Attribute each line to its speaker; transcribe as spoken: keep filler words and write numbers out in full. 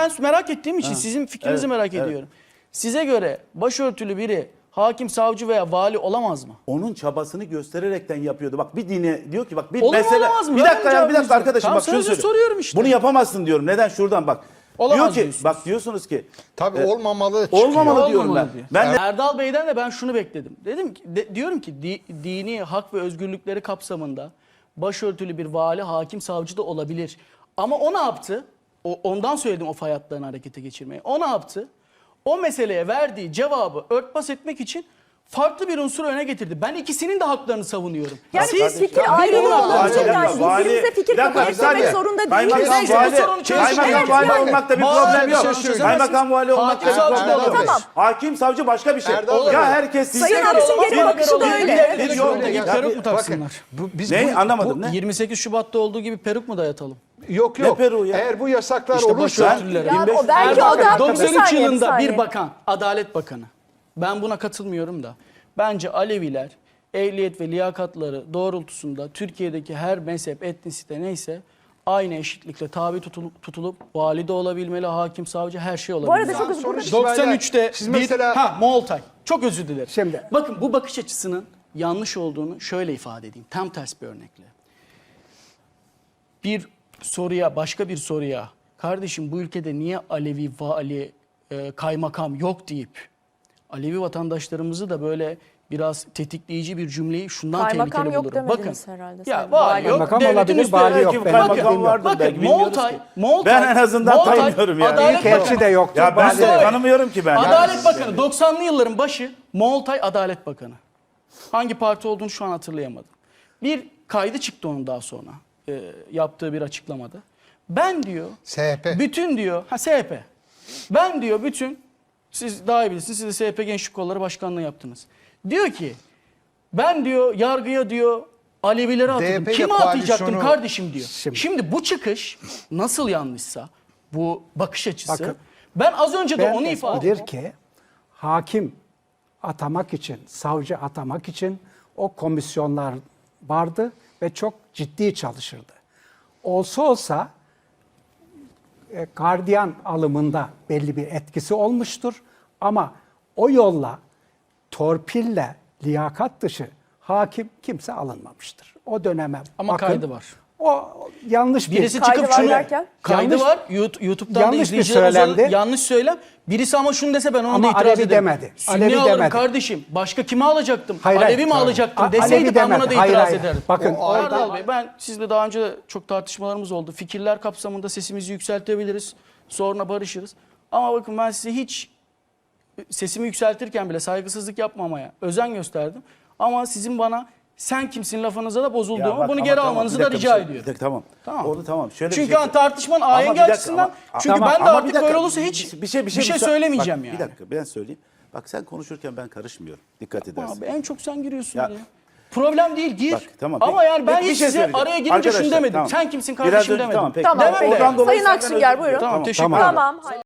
Speaker 1: ben merak ettiğim için
Speaker 2: Ha.
Speaker 1: sizin fikrinizi
Speaker 2: Evet,
Speaker 1: merak
Speaker 2: evet.
Speaker 1: ediyorum. Size göre başörtülü biri hakim, savcı veya vali olamaz mı?
Speaker 2: Onun çabasını göstererekten yapıyordu. Bak bir dine diyor ki bak bir
Speaker 1: Olur mu,
Speaker 2: mesele.
Speaker 1: olamaz mı?
Speaker 2: Bir
Speaker 1: Verin
Speaker 2: dakika ya bir
Speaker 1: cevabınızı.
Speaker 2: dakika arkadaşım
Speaker 1: Tamam,
Speaker 2: bak şunu
Speaker 1: sözü
Speaker 2: söylüyorum.
Speaker 1: soruyorum işte.
Speaker 2: Bunu yapamazsın diyorum. Neden? Şuradan bak.
Speaker 1: Olamaz
Speaker 2: diyor ki
Speaker 1: diyorsunuz.
Speaker 2: bak diyorsunuz ki
Speaker 3: Tabii
Speaker 2: e,
Speaker 3: olmamalı çıkıyor.
Speaker 2: olmamalı diyorum
Speaker 1: Olmamalı
Speaker 2: ben.
Speaker 1: diyor.
Speaker 2: Ben de
Speaker 1: Erdal Bey'den de ben şunu bekledim. Dedim ki de- diyorum ki di- dini hak ve özgürlükleri kapsamında başörtülü bir vali, hakim, savcı da olabilir. Ama o ne yaptı? O, ondan söyledim o fay hatlarını harekete geçirmeyi. O ne yaptı? O meseleye verdiği cevabı örtbas etmek için farklı bir unsuru öne getirdi. Ben ikisinin de haklarını savunuyorum.
Speaker 4: Yani
Speaker 1: Siz
Speaker 4: fikir
Speaker 1: Ya
Speaker 4: ayrılığı
Speaker 1: birinin
Speaker 4: olabilir
Speaker 1: haklarını
Speaker 4: yani.
Speaker 1: savunuyorsunuz.
Speaker 4: Birbirinize fikir
Speaker 2: Bir dakika,
Speaker 4: kabul
Speaker 2: bir
Speaker 4: etmemek
Speaker 2: saniye.
Speaker 4: zorunda
Speaker 2: Kaymakam
Speaker 4: değiliz.
Speaker 1: Neyse,
Speaker 2: vali,
Speaker 1: bu sorunu çözün.
Speaker 2: kaymakam
Speaker 4: Evet,
Speaker 2: vali
Speaker 4: yani.
Speaker 2: olmakta bir
Speaker 1: Bazı
Speaker 2: problem yok.
Speaker 1: sorunu çözemezsiniz.
Speaker 2: Kaymakam vali olmakta
Speaker 1: Hakim,
Speaker 2: bir
Speaker 1: savcı
Speaker 2: problem
Speaker 1: da
Speaker 2: yok.
Speaker 1: olabilir.
Speaker 4: Tamam.
Speaker 2: Hakim savcı başka bir şey.
Speaker 3: Erdal Bey.
Speaker 2: Ya herkes
Speaker 4: Sayın
Speaker 2: sizin
Speaker 4: Akşener'in bakışı da öyle.
Speaker 2: Bir yol
Speaker 1: Şöyle
Speaker 2: değil.
Speaker 1: peruk
Speaker 2: Ya
Speaker 1: mu taksınlar?
Speaker 3: Bu, biz
Speaker 2: Ne?
Speaker 3: bu-
Speaker 2: Anlamadım.
Speaker 3: bu-
Speaker 2: Ne?
Speaker 1: yirmi sekiz Şubat'ta olduğu gibi peruk mu dayatalım?
Speaker 3: Yok
Speaker 2: Ne
Speaker 3: yok.
Speaker 2: Peru ya?
Speaker 3: Eğer bu yasaklar
Speaker 1: İşte
Speaker 3: olursa
Speaker 1: başörtülülere.
Speaker 4: Ya
Speaker 2: bin beş yüz
Speaker 4: o belki
Speaker 1: Erdal
Speaker 4: o
Speaker 1: Bey,
Speaker 4: da bir
Speaker 1: doksan üç
Speaker 4: saniye,
Speaker 1: yılında
Speaker 4: saniye.
Speaker 1: bir bakan, Adalet Bakanı. Ben buna katılmıyorum da. Bence Aleviler ehliyet ve liyakatları doğrultusunda Türkiye'deki her mezhep, etnisite neyse aynı eşitlikle tabi tutulup, tutulup vali de olabilmeli, hakim, savcı her şey
Speaker 4: Bu
Speaker 1: olabilmeli.
Speaker 4: arada çok hızlı
Speaker 3: Sonra
Speaker 4: burada-
Speaker 1: doksan üçte
Speaker 3: Siz
Speaker 1: bir,
Speaker 3: mesela-
Speaker 1: ha Moğoltay. Çok özür dilerim.
Speaker 5: Şimdi-
Speaker 1: Bakın bu bakış açısının yanlış olduğunu şöyle ifade edeyim. Tam ters bir örnekle. Bir soruya, başka bir soruya, kardeşim bu ülkede niye Alevi, vali, e, kaymakam yok deyip Alevi vatandaşlarımızı da böyle biraz tetikleyici bir cümleyi şundan
Speaker 4: Kaymakam
Speaker 1: tehlikeli
Speaker 4: yok
Speaker 1: bulurum.
Speaker 4: demediniz
Speaker 1: Bakın,
Speaker 4: herhalde
Speaker 1: ya
Speaker 4: sayın
Speaker 1: vali
Speaker 4: vali.
Speaker 1: yok,
Speaker 5: Kaymakam
Speaker 1: devletin
Speaker 5: olabilir,
Speaker 1: üstü-
Speaker 5: vali yok.
Speaker 2: Belki
Speaker 5: Ben
Speaker 2: kaymakam
Speaker 5: bilmiyorum.
Speaker 2: vardır
Speaker 1: Bakın
Speaker 2: belki, bilmiyoruz
Speaker 1: Moğoltay,
Speaker 2: ki.
Speaker 1: Moğoltay,
Speaker 2: Ben en azından
Speaker 1: Moğoltay,
Speaker 2: tanımıyorum yani.
Speaker 1: Adalet
Speaker 5: İlk elçi
Speaker 1: Bakanı-
Speaker 5: de yoktu.
Speaker 2: Ya ben
Speaker 5: Bazı-
Speaker 2: de tanımıyorum ki ben.
Speaker 1: Adalet Bakanı doksanlı yılların başı Moğoltay Adalet Bakanı. Hangi parti olduğunu şu an hatırlayamadım. Bir kaydı çıktı onun daha sonra e, yaptığı bir açıklamada. Ben diyor
Speaker 3: S H P.
Speaker 1: bütün diyor ha S H P. Ben diyor bütün siz daha iyi bilirsiniz siz de S H P Gençlik Kolları Başkanlığı yaptınız. Diyor ki ben diyor yargıya diyor Alevileri atadım.
Speaker 3: D H P 'yle
Speaker 1: Kime atayacaktım
Speaker 3: koalisyonu-
Speaker 1: kardeşim diyor.
Speaker 5: Şimdi-
Speaker 1: Şimdi, bu çıkış nasıl yanlışsa bu bakış açısı
Speaker 5: Bakın,
Speaker 1: ben az önce de
Speaker 5: Ben
Speaker 1: onu ifade
Speaker 5: bilir ki hakim atamak için, savcı atamak için o komisyonlar vardı ve çok ciddi çalışırdı. Olsa olsa e, gardiyan alımında belli bir etkisi olmuştur ama o yolla torpille liyakat dışı hakim kimse alınmamıştır. O döneme
Speaker 1: Ama
Speaker 5: bakın,
Speaker 1: kaydı var.
Speaker 5: O yanlış bir
Speaker 1: Birisi
Speaker 4: Kaydı
Speaker 1: çıkıp
Speaker 4: var
Speaker 1: şunu
Speaker 4: derken?
Speaker 1: kaydı
Speaker 5: Yanlış-
Speaker 1: var YouTube- YouTube'dan da
Speaker 5: yanlış bir
Speaker 1: izleyiciler
Speaker 5: söylemdi.
Speaker 1: özel- yanlış söylem. Birisi ama şunu dese ben ona
Speaker 5: Ama
Speaker 1: da itiraz
Speaker 5: Alevi
Speaker 1: ederim.
Speaker 5: demedi.
Speaker 1: Sünni
Speaker 5: Alevi
Speaker 1: alırım
Speaker 5: demedi.
Speaker 1: kardeşim. Başka kimi alacaktım?
Speaker 5: Hayır,
Speaker 1: Alevi
Speaker 5: hayır.
Speaker 1: mi alacaktım
Speaker 5: A-
Speaker 1: deseydi
Speaker 5: Alevi
Speaker 1: ben buna
Speaker 5: demedi.
Speaker 1: da
Speaker 5: Hayır,
Speaker 1: itiraz
Speaker 5: hayır.
Speaker 1: ederdim.
Speaker 5: Bakın,
Speaker 1: O
Speaker 5: orada-
Speaker 1: Erdal Bey ben sizle daha önce de çok tartışmalarımız oldu. Fikirler kapsamında sesimizi yükseltebiliriz. Sonra barışırız. Ama bakın ben size hiç sesimi yükseltirken bile saygısızlık yapmamaya özen gösterdim. Ama sizin bana sen kimsin lafınıza da bozulduğumu
Speaker 2: Ya bak,
Speaker 1: bunu
Speaker 2: ama
Speaker 1: geri
Speaker 2: tamam,
Speaker 1: almanızı
Speaker 2: bir
Speaker 1: da
Speaker 2: dakika,
Speaker 1: rica
Speaker 2: bir şey-
Speaker 1: ediyorum.
Speaker 2: bir dakika, tamam.
Speaker 1: Tamam.
Speaker 2: Onu tamam. Şöyle bir
Speaker 1: Çünkü
Speaker 2: şey-
Speaker 1: hani tartışmanın
Speaker 2: Ama
Speaker 1: ahengi
Speaker 2: bir dakika,
Speaker 1: açısından
Speaker 2: ama-
Speaker 1: çünkü
Speaker 2: Tamam,
Speaker 1: ben de
Speaker 2: ama bir
Speaker 1: artık
Speaker 2: dakika,
Speaker 1: böyle olursa hiç
Speaker 2: bir şey bir şey,
Speaker 1: bir şey söylemeyeceğim
Speaker 2: bak,
Speaker 1: yani.
Speaker 2: Bir dakika ben söyleyeyim. Bak sen konuşurken ben karışmıyorum. Dikkat edersin.
Speaker 1: Abi en çok sen giriyorsun
Speaker 2: Ya-
Speaker 1: oraya. Problem değil gir.
Speaker 2: Bak, tamam,
Speaker 1: Ama
Speaker 2: peki.
Speaker 1: yani ben
Speaker 2: Peki, bir
Speaker 1: hiç
Speaker 2: şey
Speaker 1: size
Speaker 2: söyleyeceğim.
Speaker 1: araya girince şunu
Speaker 2: Arkadaşlar,
Speaker 1: demedim.
Speaker 2: tamam.
Speaker 1: Sen kimsin
Speaker 2: Biraz
Speaker 1: kardeşim
Speaker 2: önce-
Speaker 1: demedim.
Speaker 2: tamam, peki.
Speaker 4: Tamam.
Speaker 1: Demem de.
Speaker 2: Oradan dolayı
Speaker 4: Sayın
Speaker 2: senden
Speaker 4: Akşener
Speaker 2: özür
Speaker 4: buyurun.
Speaker 2: diliyorum.
Speaker 1: Tamam, teşekkür
Speaker 5: Tamam.
Speaker 1: ederim.
Speaker 4: Tamam.